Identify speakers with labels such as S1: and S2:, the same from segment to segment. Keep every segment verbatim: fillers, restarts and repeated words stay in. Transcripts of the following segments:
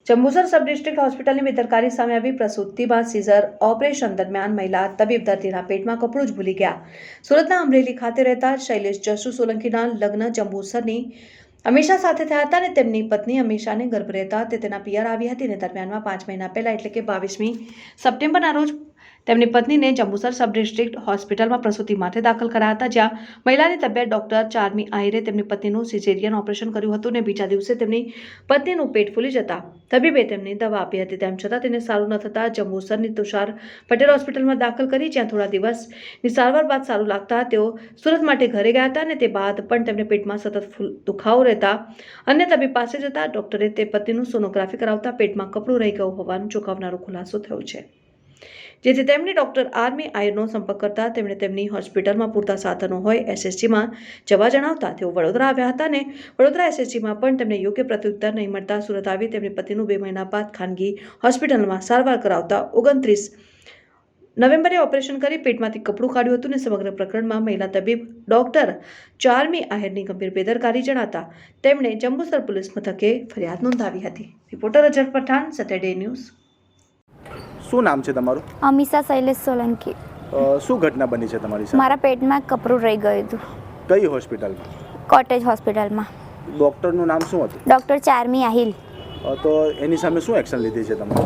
S1: Jambusar sub district હોસ્પિટલની બેદરકારી સામે આવી। પ્રસૂતિમાં સીઝર ઓપરેશન દરમિયાન મહિલા તબીબ દર્દીના પેટમાં કપડું જ ભૂલી ગયા। સુરતના અમરેલી ખાતે રહેતા શૈલેષ જસુ સોલંકીના લગ્ન જંબુસરની અમીષા સાથે થયા હતા અને તેમની પત્ની અમીષાને ગર્ભ રહેતા તે તેના પિયર આવી હતી અને દરમિયાનમાં પાંચ મહિના પહેલા એટલે કે બાવીસમી સપ્ટેમ્બરના રોજ તેમની પત્નીને જંબુસર સબ ડિસ્ટ્રિક્ટ હોસ્પિટલમાં પ્રસૂતિ માટે દાખલ કરાયા હતા, જ્યાં મહિલાની તબિયત ડોક્ટર ચારમી આહિરે તેમની પત્નીનું સિઝેરિયન ઓપરેશન કર્યું હતું અને બીજા દિવસે તેમની પત્નીનું પેટ ફૂલી જતા તબીબે તેમને દવા આપી હતી। તેમ છતાં તેને સારું ન થતાં જંબુસરની તુષાર પટેલ હોસ્પિટલમાં દાખલ કરી, જ્યાં થોડા દિવસની સારવાર બાદ સારું લાગતા તેઓ સુરત માટે ઘરે ગયા હતા અને તે બાદ પણ તેમને પેટમાં સતત દુખાવો રહેતા અન્ય તબીબ પાસે જતા ડોક્ટરે તે પત્નીનું સોનોગ્રાફી કરાવતા પેટમાં કપડું રહી ગયું હોવાનો ચોંકાવનારો ખુલાસો થયો છે, જેથી તેમણે ડોક્ટર આરમી આહિરનો સંપર્ક કરતા તેમણે તેમની હોસ્પિટલમાં પૂરતા સાધનો હોય એસએસજીમાં જવા જણાવતા તેઓ વડોદરા આવ્યા હતા અને વડોદરા એસએસજીમાં પણ તેમને યોગ્ય પ્રત્યુત્તર નહીં મળતા સુરત આવી તેમની પતિનું બે મહિના બાદ ખાનગી હોસ્પિટલમાં સારવાર કરાવતા ઓગણત્રીસ નવેમ્બરે ઓપરેશન કરી પેટમાંથી કપડું કાઢ્યું હતું અને સમગ્ર પ્રકરણમાં મહિલા તબીબ ડોક્ટર ચારમી આહિરની ગંભીર બેદરકારી જણાતા તેમણે જંબુસર પોલીસ મથકે ફરિયાદ નોંધાવી હતી। Reporter Ajar Pathan, Saturday news.
S2: શું નામ છે તમારું?
S3: અમીષા શૈલેષ સોલંકી।
S2: શું ઘટના બની છે તમારી સાથે?
S3: મારા પેટમાં કપડું રહી ગયું હતું।
S2: કઈ હોસ્પિટલમાં?
S3: કોટેજ હોસ્પિટલમાં।
S2: ડૉક્ટરનું નામ શું હતું?
S3: ડૉક્ટર ચારમી આહિર।
S2: તો એની સામે શું એક્શન લીધી છે તમારે?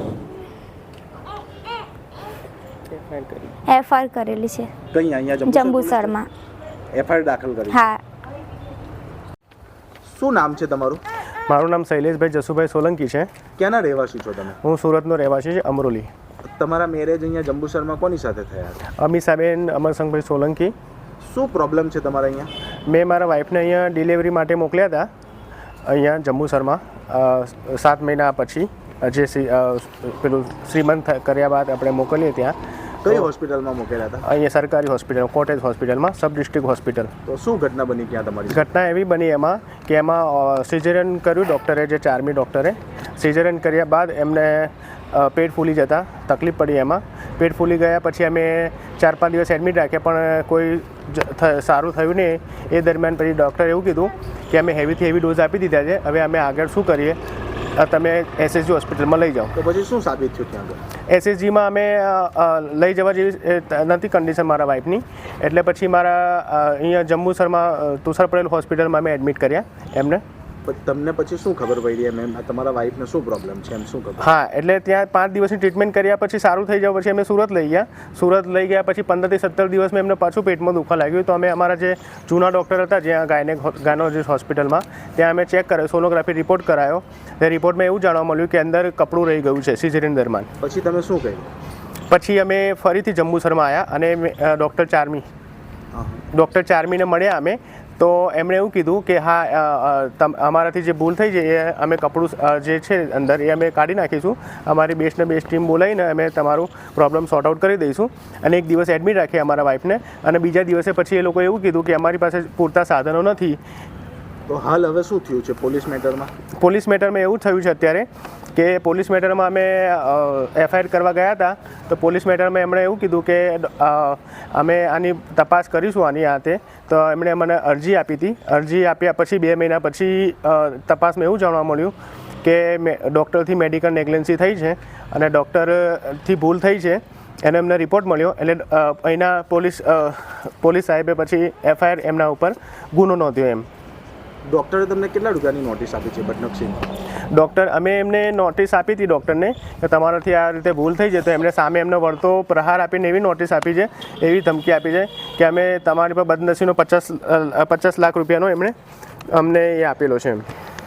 S3: એફઆઈઆર કરેલી છે।
S2: કઈ અહીંયા
S3: જંબુસરમાં
S2: એફઆઈઆર દાખલ કરી?
S3: હા।
S2: શું નામ છે તમારું?
S4: મારું નામ શૈલેષભાઈ જસુભાઈ સોલંકી છે।
S2: ક્યાંના રહેવાસી છો તમે?
S4: હું સુરતનો રહેવાસી છે, અમરોલી।
S2: તમારા મેરેજ અહીંયા જંબુસરમાં કોની સાથે થયા હતા?
S4: અમીષાબેન અમરસંગભાઈ સોલંકી।
S2: શું પ્રોબ્લેમ છે તમારા અહીંયા?
S4: મેં મારા વાઈફને અહીંયા ડિલિવરી માટે મોકલ્યા હતા અહીંયા જંબુસરમાં સાત મહિના પછી, જે પેલું શ્રીમંત કર્યા બાદ આપણે મોકલીએ ત્યાં।
S2: કઈ હોસ્પિટલમાં મોકલ્યા હતા?
S4: અહીંયા સરકારી હોસ્પિટલ, કોટેજ હોસ્પિટલમાં, સબ ડિસ્ટ્રિક્ટ હોસ્પિટલ।
S2: તો શું ઘટના બની ત્યાં તમારી?
S4: ઘટના એવી બની એમાં કે એમાં સિઝેરિયન કર્યું ડૉક્ટરે, જે ચારમી ડૉક્ટરે સિઝેરિયન કર્યા બાદ એમને પેટ ફૂલી જતા તકલીફ પડી। એમાં પેટ ફૂલી ગયા પછી અમે ચાર પાંચ દિવસ એડમિટ રાખ્યા પણ કોઈ સારું થયું નહીં। એ દરમિયાન પછી ડૉક્ટરે એવું કીધું કે અમે હેવીથી હેવી ડોઝ આપી દીધા છે, હવે અમે આગળ શું કરીએ, તમે એસએસજી હોસ્પિટલમાં લઈ જાઓ।
S2: તો પછી શું સાબિત થયું ત્યાં આગળ?
S4: એસએસજીમાં અમે લઈ જવા જેવી નથી કન્ડિશન મારા વાઈફની, એટલે પછી મારા અહીંયા જંબુસરમાં તુષાર પટેલ હોસ્પિટલમાં અમે એડમિટ કર્યા એમને।
S2: તમને પછી શું ખબર પડી એમ એમ તમારા વાઈફને શું પ્રોબ્લેમ છે એમ શું ખબર?
S4: હા, એટલે ત્યાં પાંચ દિવસની ટ્રીટમેન્ટ કર્યા પછી સારું થઈ જાય પછી અમે સુરત લઈ ગયા। સુરત લઈ ગયા પછી પંદરથી સત્તર દિવસમાં એમને પાછું પેટમાં દુખવા લાગ્યું, તો અમે અમારા જે જૂના ડૉક્ટર હતા જ્યાં ગાયનેક ગાયનોલોજીસ્ટ હોસ્પિટલમાં, ત્યાં અમે ચેક કર્યો, સોનોગ્રાફી રિપોર્ટ કરાયો। તે રિપોર્ટમાં એવું જાણવા મળ્યું કે અંદર કપડું રહી ગયું છે સિઝેરિયન દરમિયાન।
S2: પછી તમે શું કહ્યું?
S4: પછી અમે ફરીથી જંબુસરમાં આવ્યા અને ડૉક્ટર ચારમી ડૉક્ટર ચારમીને મળ્યા અમે, તો એમણે એવું કીધું કે હા અમારાથી જે ભૂલ થઈ છે એ અમે કપડું જે છે અંદર એ અમે કાઢી નાખીશું, અમારી બેસ્ટને બેસ્ટ ટીમ બોલાવીને અમે તમારું પ્રોબ્લેમ સોર્ટ આઉટ કરી દઈશું। અને એક દિવસ એડમિટ રાખીએ અમારા વાઈફને, અને બીજા દિવસે પછી એ લોકોએ એવું કીધું કે અમારી પાસે પૂરતા સાધનો નથી।
S2: તો હાલ હવે શું થયું છે પોલીસ મેટરમાં?
S4: પોલીસ મેટરમાં એવું થયું છે અત્યારે કે પોલીસ મેટરમાં અમે એફઆઈઆર કરવા ગયા હતા, તો પોલીસ મેટરમાં એમણે એવું કીધું કે અમે આની તપાસ કરીશું આની હાથે, તો એમણે મને અરજી આપી હતી। અરજી આપ્યા પછી બે મહિના પછી તપાસમાં એવું જાણવા મળ્યું કે ડૉક્ટરથી મેડિકલ નેગ્લેન્સી થઈ છે અને ડૉક્ટરથી ભૂલ થઈ છે, એને એમને રિપોર્ટ મળ્યો। એટલે અહીંના પોલીસ પોલીસ સાહેબે પછી એફઆઈઆર એમના ઉપર ગુનો નોંધ્યો એમ।
S2: ડૉક્ટરે તમને કેટલા રૂપિયાની નોટિસ આપી છે બદનક્ષીની?
S4: ડૉક્ટર અમે એમને નોટિસ આપી હતી ડૉક્ટરને કે તમારાથી આ રીતે ભૂલ થઈ છે, તો એમણે સામે એમને વળતો પ્રહાર આપીને એવી નોટિસ આપી છે, એવી ધમકી આપી છે કે અમે તમારી પર બદનસીનો પચાસ પચાસ લાખ રૂપિયાનો એમણે અમને એ આપેલો છે એમ।